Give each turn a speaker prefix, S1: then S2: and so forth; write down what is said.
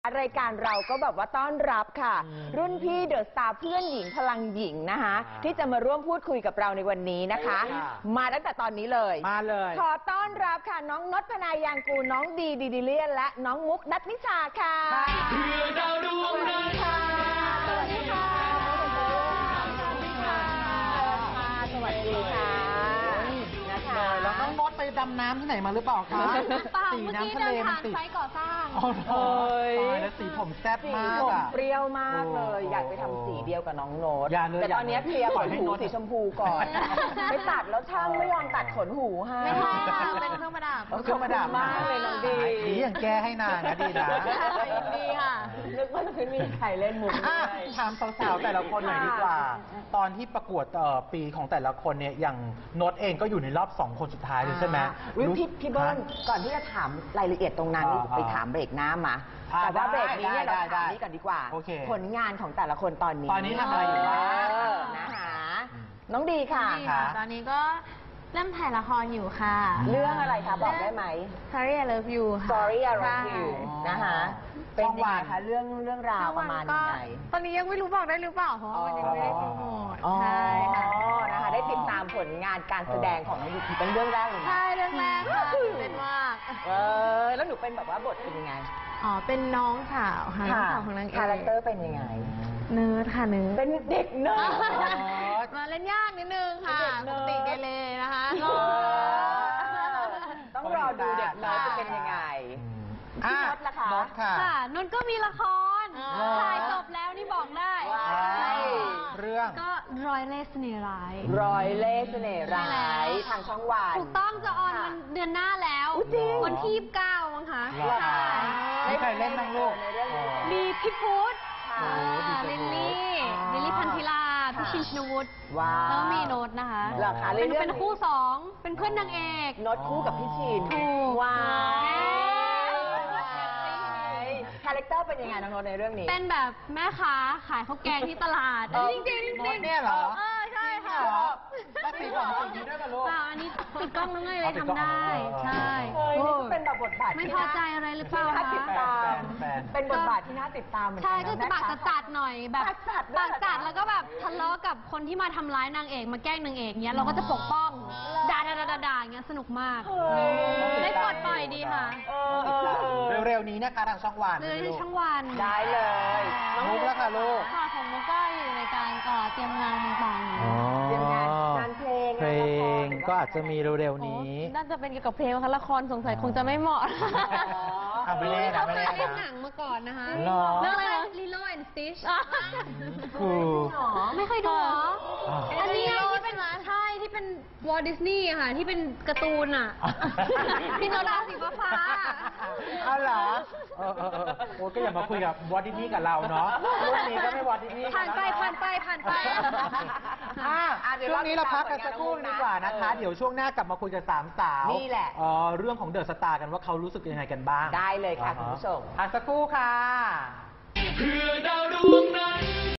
S1: รายการเราก็แบบว่าต้อนรับค่ะรุ่นพี่เดอะสตาร์เพื่อนหญิงพลังหญิงนะคะที่จะมาร่วมพูดคุยกับเราในวันนี้นะคะมาตั้งแต่ตอนนี้เลย
S2: มาเลย
S1: ขอต้อนรับค่ะน้องนพพนายางกูน้องดีดิเลียนและน้องมุกนัทนิชาค่ะเพื่อดาวดวงนั้นค่ะสวัสดีค่ะสวัสดีค่ะ
S2: แล้วน้องมดไปดำน้ำที่ไหนมาหรือเปล่าคะ
S3: สีน้ำทะเลมันติดไซต์ก่อสร้าง
S2: แล้วสีผมแซ่บมาก
S1: ผมเปรี้ยวมากเลยอยากไปทำสีเดียวกับน้องโน้ตแต่ตอนนี้เคลียร์ขนหูสีชมพูก่อนไปตัดแล้วช่างไม่ยอมตัดขนหูให้
S3: ไม่ใช่เป็นเครื่องประดับ
S2: เครื่องประดับ
S1: มากเลยน้องดี
S2: อย่างแก้ให้นางนะดีนะ
S3: ดีค่ะ
S1: นึกว่าจะมีใครเล่นมุก
S2: ถามสาวๆแต่ละคนหน่อยดีกว่าตอนที่ประกวดปีของแต่ละคนเนี่ยอย่างโน้ตเองก็อยู่ในรอบ2 คนสุดท้ายเลยใช่ไหม
S1: พี่เบิ้ลก่อนที่จะถามรายละเอียดตรงนั้นไปถามเบรกหน้ามาแต่ว่าเบรกนี้เนี่ยเราถามนี้ก่อนดีกว่าผลงานของแต่ละคนตอนนี้
S2: ทำอะไรอยู่บ้าง
S1: นะคะน้องดีค่ะ
S3: ตอนนี้ก็เริ่มถ่ายละครอยู่ค่ะ
S1: เรื่องอะไรคะบอกได้ไหม
S3: Sorry I Love You
S1: Sorry I Love You นะคะเป็นยังไงคะเรื่องราวประมาณยังไง
S3: ตอนนี้ยังไม่รู้บอกได้หรือเปล่าเพราะมันยังไม่ได้โปรโมทใช่ค่ะ
S1: นะคะได้ติดตามผลงานการแสดงของน้องดีเป็นเรื่องแรกเลย
S3: ใช่เรื่องแรกค่ะเป็นมาก
S1: แล้วหนูเป็นแบบว่าบทเป็นยังไง
S3: เป็นน้องสาวค่ะน้องสาวของนางเอก
S1: คาแรคเตอร์เป็นยังไง
S3: เนิร์ดค่ะเนิร์ด
S1: เป็นเด็กเนิร์
S3: ดมาเล่นยากนิดนึงค่ะปกติเกเรนะคะ
S1: ต้องรอดูเด็กเนิร์ดจะเป็นยังไงพี่นดล่ะคะ
S3: ค่ะนนก็มีละครถ่ายจบแล้วนี่บอกได้
S2: เรื่อง
S3: ก็รอยเล่ห์เสน่ห์ร้าย
S1: ร้อยเล่ห์เสน่ห์ร้ายทางช่องวัน
S3: ถูกต้องจะออนวันเดือนหน้าแล้ววันที่29มั้งคะ
S2: มีใครเล่นบ้างลูก
S3: มีพี่พุทธลิลลี่พันธิลาพี่ชินชินวุฒิแล้วมีโน้ตนะคะเป็นคู่2เป็นเพื่อนนางเอก
S1: โน้ตคู่กับพี่ชิน
S3: ถูก
S1: ว้าวคาแรคเตอร์เป็นยังไงน้องโน้ตในเรื่องนี้
S3: เป็นแบบแม่ค้าขายข้าวแกงที่ตลาดจริง
S2: โน้ตเนี่ยเหรอ
S3: ใช่ค่ะ
S2: มาสีผมสีนี้ด้วยกันลูก
S3: อันนี้ติดกล้องแล้วไงเลยทำได้ใช่
S1: เป็นแบบบทบาท
S3: ไม่พอใจอะไรหรือเปล่า
S1: คะเป็นบทบาทที่น่าติดตามเหมือนกัน
S3: ใช่ก็จะปากจัดหน่อยแบบปากจัดแล้วก็แบบทะเลาะกับคนที่มาทำร้ายนางเอกมาแกล้งนางเอกเนี้ยเราก็จะปกป้องด่าเงี้ยสนุกมากได้ปลดปล่อยดีค่ะ
S2: เร็วๆนี้นะคะทางช่องวัน
S3: เลยช่องวัน
S1: ได้เลย
S2: น้องมุกแล้วค่ะลูก
S3: ค่ะของมุกก็อยู่ในการเตรียมงานต่าง
S1: ๆเตรียมงานเพล
S2: งก็อาจจะมีเร็วๆนี้
S3: น่าจะเป็นเกี่ยวกับเพลงค่ะละครสงสัยคงจะไม่เหมาะ
S2: ไม่เล่นนะ
S3: ไม่เล่นหนังมาก่อนนะคะเรื่องอะไรนะ Lilo and Stitch ไม่เคยดูเหรออันนี้ที่เป็นใช่ที่เป็นวอลดิสนีย์ค่ะที่เป็นการ์ตูนอ่ะที่โนราสีฟ้า
S2: อ้าวเหรอโอ้ก็อย่ามาคุยกับวอลดิสนีย์กับเราเนาะรุ่นนี้ก็ไม่วอลดิสนีย์
S3: ผ่านไป
S2: ช่วงนี้เราพักกันสักครู่ดีกว่านะคะเดี๋ยวช่วงหน้ากลับมาคุยกับ3 สาว
S1: นี่แหละ
S2: เรื่องของเดอะสตาร์กันว่าเขารู้สึกยังไงกันบ้าง
S1: ได้เลยค่ะคุณผู้ชม
S2: พักสักครู่ค่ะ
S4: เพื่อดาวดวงนั้น